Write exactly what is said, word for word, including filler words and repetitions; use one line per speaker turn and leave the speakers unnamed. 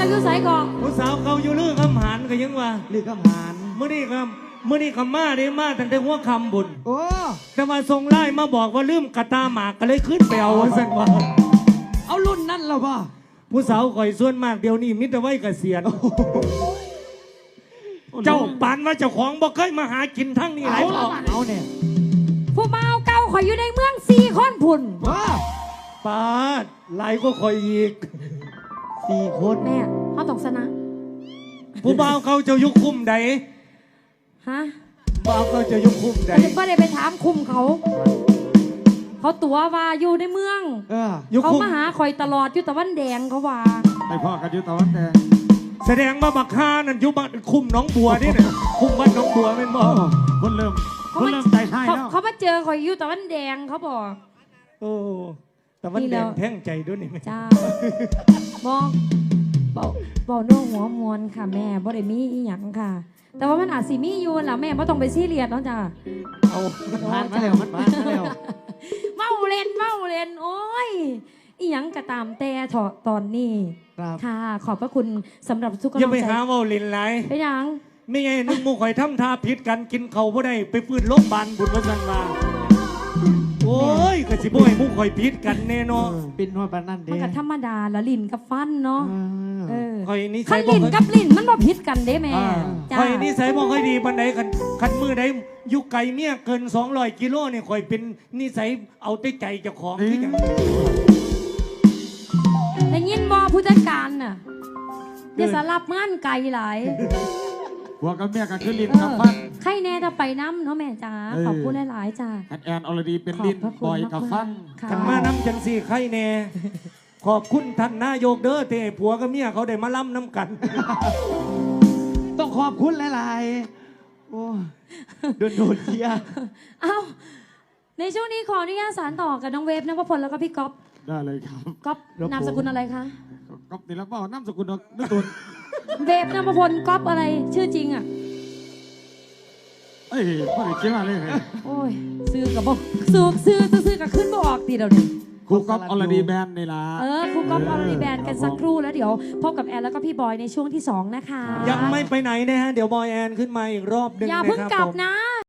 จะอยู่ไสก่อน
ผู้สาวเขาอยู่ลือคำหานก็ยังว่า
ลือคำหาน
เมื่อนี้ครับเมื่อนี้คำมาได้มาตั้งแต่หัวคำบุญ
โอ้
แต่มาส่งไล่มาบอกว่าลืมกระตาหมากก็เลยขึ้นไปเอาสั่นว่า
เอารุ่นนั่นเหรอป่ะ
ผู้สาวข่อยส่วนมากเดี๋ยวนี้มิตรไว้เกษียณเจ้าปานว่าเจ้าของบ่เคยมาหากินทั้งนี้หลายต่อ
เอาเนี่ย
ผู้เมาเก่าข่อยอยู่ในเมืองสี่คนพุ่น
ว้า
ปาดหลายก็ข่อยอีก
สี่คน
แม่เขาต้องชนะ
ผู้บ่าวเขาจะยุคคุ้มใด
ฮะ
บ่าวเขาจะยุคคุ้มใด
ก็ได้ไปถามคุมเขาเขาตัวว่าอยู่ในเมืองเขามาหาข่อยตลอดอยู่ตะวันแดงเขาว่า
ไปพ่อกันอยู่ตะวันแดง
แสดงว่าบักฮานั่นยุบักคุมน้องบัวนี่เนี่ยคุมบ้านน้องบัวเป็นบ่
คนเริ่มคนเริ่มใจให้แล้ว
เขามาเจอข่อยอยู่ตะวันแดงเขาบอก
โอ้ตะวันแดงแท่งใจด้วยนี่
จ้าบอกบอกบอกน้องหัวมวลค่ะแม่บ่ได้มีอีหยังค่ะแต่ว่ามันอาจสิมีอยู่ล่ะแม่บ่ต้องไปซีเรียสเนาะจ้า
เอามันมาแล้วมันมาแล้ว
เมาเล่นเมาเล่นโอ้ยอีหยังกระตามแต่ถอดตอนนี้ค่ะขอบพระคุณสำหรับทุกกำลังใจ
อย่าไปหาเมาเล่นไร
ไปยัง
ไม่ไงนึกมูข่อยทำท่าพิษกันกินเขาบ่ได้ไปฟื้นโรงพยาบาลบุญมาสั่งมาโอ้ยกะสิบ่ให้มูข่อยพิษกันแน่นอน
ปินว่าปานนั่นเด้
มันก็ธรรมดาละลิ้นกับฟันเนาะเออ
ข่อยนี่
ขันลิ้นกับลิ้นมันบ่พิษกันเด้แม่
ข่อยนี่ใส่บ่ค่อยดีปานใดคันคันมือใดอยู่ไกลเมียเกินสองร้อยกิโลนี่ข่อยเป็นนิสัยเอาแต่ใจเจ้าของคือหยัง
ได้ยินบ่ผู้จัดการน่ะอย่าสลับงานไกลหลาย
หัวกับเมียกันคือลิ้นกับฟัน
ใครแน่ถ้าไปน้ำเนาะแม่จ๋าขอบคุณหลายๆจ้า
แอนออลดีเป็นลิ้นบอยกับฟัน
ขันมาน้ำจังสี่ใครแน่ขอบคุณท่านนายกเด้อเตะผัวกับเมียเขาได้มาล่ำน้ำกัน
ต้องขอบคุณหลายๆโอ้โดนโดนเชีย
เอ้าในช่วงนี้ขออนุญาตสารต่อกับน้องเวฟนภพลแล้วก็พี่ก๊อฟ
ได้เลยครับ
ก๊อฟนามสกุลอะไรคะ
ก๊อฟนี่แล้วเปล่านามสกุลนึกตัว
เวฟนภพลก๊อฟอะไรชื่อจริงอ่ะ
เอ้ยพ่อเขียนมาเลย
โอ้ยซื้อกับบอกซื้อซื้อซื้อกับขึ้นบออกตีเดี๋ยวนี้
ครูก๊อฟอลดีแบนนี่ล่ะ
เออครูก๊อฟอลดีแบนกันสักครู่แล้วเดี๋ยวพบกับแอนแล้วก็พี่บอยในช่วงที่สองนะคะ
ยังไม่ไปไหนนะฮะเดี๋ยวบอยแอนขึ้นมาอีกรอบหนึ่ง
อย่าเพิ่งกลับนะ